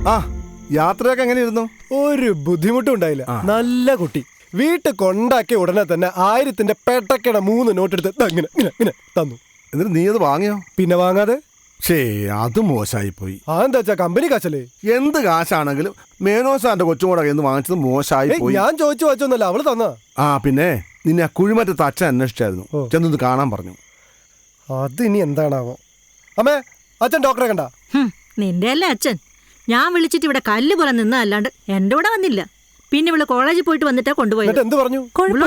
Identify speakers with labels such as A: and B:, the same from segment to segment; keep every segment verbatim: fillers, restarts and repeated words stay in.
A: ആ യാത്രയൊക്കെ എങ്ങനെയായിരുന്നു?
B: ഒരു ബുദ്ധിമുട്ടും ഉണ്ടായില്ല. നല്ല കുട്ടി. വീട്ടിൽ കൊണ്ടാക്കിയ ഉടനെ തന്നെ ആയിരത്തിന്റെ പെട്ടക്കട മൂന്ന് നോട്ടെടുത്ത് ഇങ്ങനെ ഇങ്ങനെ ഇങ്ങനെ തന്നു.
A: എന്നിട്ട് നീ അത് വാങ്ങിയോ?
B: പിന്നെ വാങ്ങാതെ?
A: ഷേ അത് മോശമായി പോയി.
B: അതെന്താ വെച്ചാ കമ്പനി കാശല്ലേ?
A: എന്ത് കാശാണെങ്കിലും മേനോസാന്റെ കൊച്ചും കൂടെ എന്ന് വാങ്ങിച്ചത് മോശമായി പോയി.
B: ഞാൻ ചോദിച്ചു വച്ചൊന്നല്ല, അവള് തന്നാ.
A: ആ പിന്നെ നിന്നെ ആ കുഴിമറ്റത്ത് അച്ഛൻ അന്വേഷിച്ചായിരുന്നു, ചെന്നത് കാണാൻ പറഞ്ഞു.
B: അത് ഇനി എന്താണാവോ. അമ്മേ, അച്ഛൻ ഡോക്ടറെ കണ്ട?
C: നിന്റെ അല്ലേ അച്ഛൻ. ഞാൻ വിളിച്ചിട്ട് ഇവിടെ കല്ല് പോലെ നിന്നല്ലാണ്ട് എന്റെ കൂടെ വന്നില്ല. പിന്നെ ഇവിടെ കോളേജിൽ പോയിട്ട് വന്നിട്ടാ കൊണ്ടുപോയത്.
B: എന്ത് പറഞ്ഞു?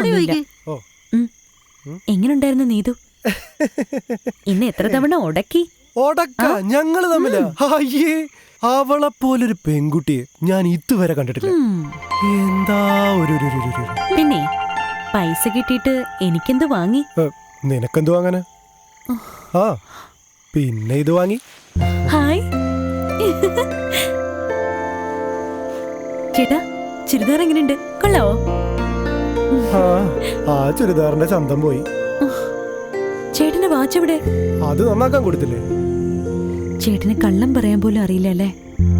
D: എങ്ങനുണ്ടായിരുന്നു നീതു? ഇന്ന് എത്ര തവണ ഉടക്കി?
B: ഉടക്ക ഞങ്ങള് തമ്മിലാ? അയ്യേ, അവളെ പോലൊരു പെൺകുട്ടിയെ ഞാൻ ഇതുവരെ കണ്ടിട്ടില്ല. എന്താ ഒരു.
D: പിന്നെ പൈസ കിട്ടിയിട്ട് എനിക്കെന്ത് വാങ്ങി?
B: നിനക്കെന്ത് വാങ്ങാന്? ആ പിന്നെ ഇത് വാങ്ങി.
D: ഹായ് ചേട്ടാ, ചുരിദാർ എങ്ങനെയുണ്ട്? കൊള്ളാവോ?
B: ആ ചുരിദാറിന്റെ ചന്തം പോയി.
D: ചേട്ടന്റെ വാച്ച് എവിടെ?
B: അത് നന്നാക്കാൻ കൊടുത്തില്ലേ?
D: ചേട്ടന് കള്ളം പറയാൻ പോലും അറിയില്ല അല്ലേ?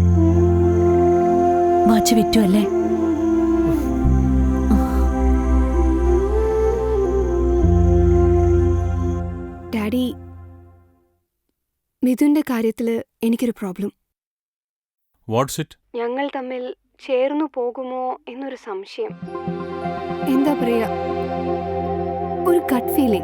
D: വാച്ച് വിറ്റു അല്ലേ?
E: ഡാഡി, മിഥുന്റെ കാര്യത്തില് എനിക്കൊരു പ്രോബ്ലം.
F: What's it?
E: ഞങ്ങൾ തമ്മിൽ ചേർന്നു പോകുമോ എന്നൊരു സംശയം. എന്താ പറയാ, ഒരു ഗട്ട് ഫീലിംഗ്.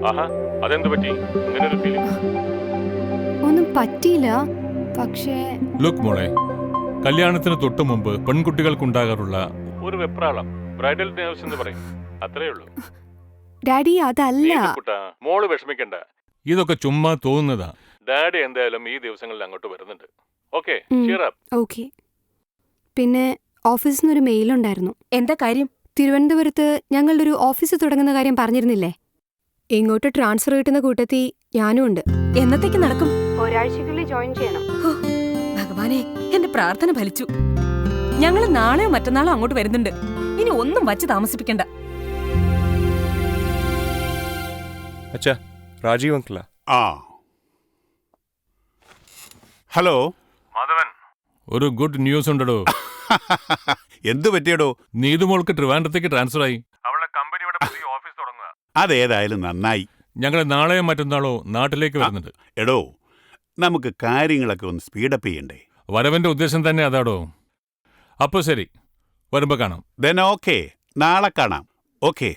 E: ഒന്നും പറ്റിയില്ല, പക്ഷേ
F: ലുക്ക് മോളെ, കല്യാണത്തിന് തൊട്ടു മുമ്പ് പെൺകുട്ടികൾക്കുണ്ടാകാറുള്ള ഒരു വെപ്രാളം ബ്രൈഡൽ നേഴ്സ് എന്ന് പറയും, അത്രേ ഉള്ളൂ.
E: ഡാഡി അതല്ല.
F: മോള് വിഷമിക്കണ്ട, ഇതൊക്കെ ചുമ്മാ തോന്നുന്നതാ. ഡാഡി എന്തായാലും ഈ ദിവസങ്ങളിൽ അങ്ങോട്ട് വരുന്നുണ്ട്. Okay, cheer up.
E: ഓക്കേ. പിന്നെ ഓഫീസിൽ നിന്നൊരു മെയിൽ ഉണ്ടായിരുന്നു.
D: എന്താ കാര്യം?
E: തിരുവനന്തപുരത്ത് ഞങ്ങളുടെ ഒരു ഓഫീസ് തുടങ്ങുന്ന കാര്യം പറഞ്ഞിരുന്നില്ലേ? ഇങ്ങോട്ട് ട്രാൻസ്ഫർ കിട്ടുന്ന കൂട്ടത്തിൽ ഞാനും ഉണ്ട്.
D: എന്നത്തേക്ക് നടക്കും?
E: ഒരാഴ്ചക്കുള്ളിൽ ജോയിൻ ചെയ്യണം.
D: ഭഗവാനെ, എന്റെ പ്രാർത്ഥന ഫലിച്ചു. ഞങ്ങൾ നാളെയോ മറ്റന്നാളോ അങ്ങോട്ട് വരുന്നുണ്ട്. ഇനി ഒന്നും വച്ച് താമസിപ്പിക്കണ്ട.
G: അച്ഛാ, രാജീവ് അങ്കിളാ.
H: ആ ഹലോ
F: മാധവൻ, ഒരു ഗുഡ് ന്യൂസ് ഉണ്ടോ?
H: എന്തു പറ്റിയടോ?
F: നീതുമോൾക്ക് ട്രിവാൻഡ്രത്തേക്ക് ട്രാൻസ്ഫർ ആയി. അവളുടെ കമ്പനിയുടെ പുതിയ ഓഫീസ് തുടങ്ങുക.
H: അതേതായാലും നന്നായി.
F: ഞങ്ങൾ നാളെയോ മറ്റന്നാളോ നാട്ടിലേക്ക് വരുന്നുണ്ട്.
H: എടോ, നമുക്ക് കാര്യങ്ങളൊക്കെ ഒന്ന് സ്പീഡപ്പ് ചെയ്യണ്ടേ?
F: വരവന്റെ ഉദ്ദേശം തന്നെ അതാടോ. അപ്പൊ ശരി, വരുമ്പോ കാണാം.
H: ദെൻ ഓക്കെ, നാളെ കാണാം. ഓക്കെ.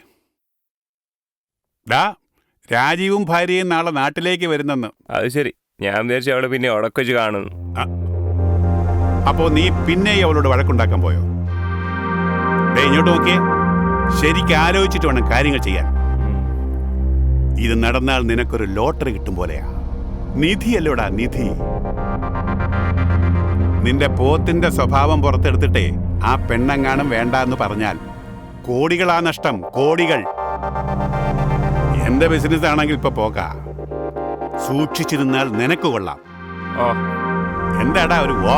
H: ഡാ, രാജീവും ഭാര്യയും നാളെ നാട്ടിലേക്ക് വരുന്നെന്ന്.
G: അത് ശരി, ഞാൻ വിചാരിച്ചു അവളെ പിന്നെ ഉടക്കൊച്ച് കാണുന്നു.
H: അപ്പോ നീ പിന്നെ അവളോട് വഴക്കുണ്ടാക്കാൻ പോയോ? ഡേ, ഇങ്ങോട്ട് നോക്കിയേ. ശരിക്കും ആലോചിച്ചിട്ട് വേണം കാര്യങ്ങൾ ചെയ്യാൻ. ഇത് നടന്നാൽ നിനക്കൊരു ലോട്ടറി കിട്ടും പോലെയാ. നിധിയല്ലോടാ, നിധി. നിന്റെ പോത്തിന്റെ സ്വഭാവം പുറത്തെടുത്തിട്ടേ ആ പെണ്ണെങ്ങാനും വേണ്ട എന്ന് പറഞ്ഞാൽ കോടികളാ നഷ്ടം, കോടികൾ. എന്റെ ബിസിനസ് ആണെങ്കിൽ ഇപ്പൊ പോകാ. സൂക്ഷിച്ചിരുന്നാൽ നിനക്ക് കൊള്ളാം. എന്താടാ ഒരു വോ?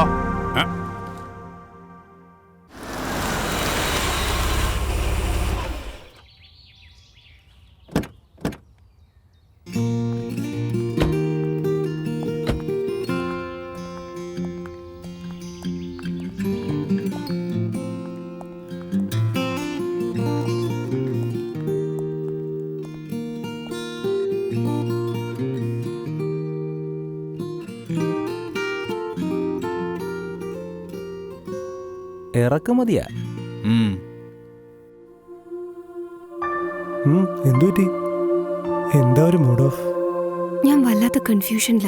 G: ഇറക്കുമതിയാ?
B: എന്തുപറ്റി? എന്താ ഒരു മൂഡ് ഓഫ്?
E: ഞാൻ വല്ലാത്ത കൺഫ്യൂഷനിലാ.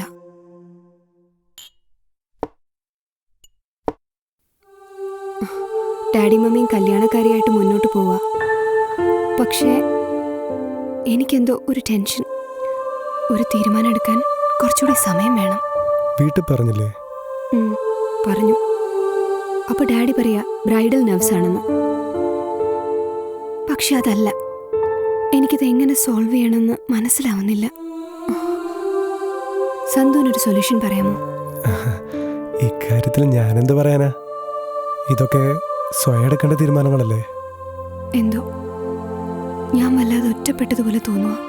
E: ഡാഡി മമ്മിയും കല്യാണക്കാരിയായിട്ട് മുന്നോട്ട് പോവാ. പക്ഷേ എനിക്കെന്തോ ഒരു ടെൻഷൻ. ഒരു തീരുമാനം എടുക്കാൻ കുറച്ചുകൂടി സമയം വേണം.
B: വീട്ടിൽ പറഞ്ഞില്ലേ?
E: പറഞ്ഞു. അപ്പൊ ഡാഡി പറയാ ബ്രൈഡൽ നെർവ്സ് ആണെന്ന്. പക്ഷെ അതല്ല. എനിക്കിത് എങ്ങനെ സോൾവ് ചെയ്യണമെന്ന് മനസ്സിലാവുന്നില്ല. സന്തുവിനൊരു സൊല്യൂഷൻ പറയാമോ?
B: ഇക്കാര്യത്തിൽ ഞാനെന്ത് പറയാനാ? ഇതൊക്കെ സ്വയം എടുക്കേണ്ട തീരുമാനങ്ങളല്ലേ?
E: എന്തോ ഞാൻ വല്ലാതെ ഒറ്റപ്പെട്ടതുപോലെ തോന്നുക.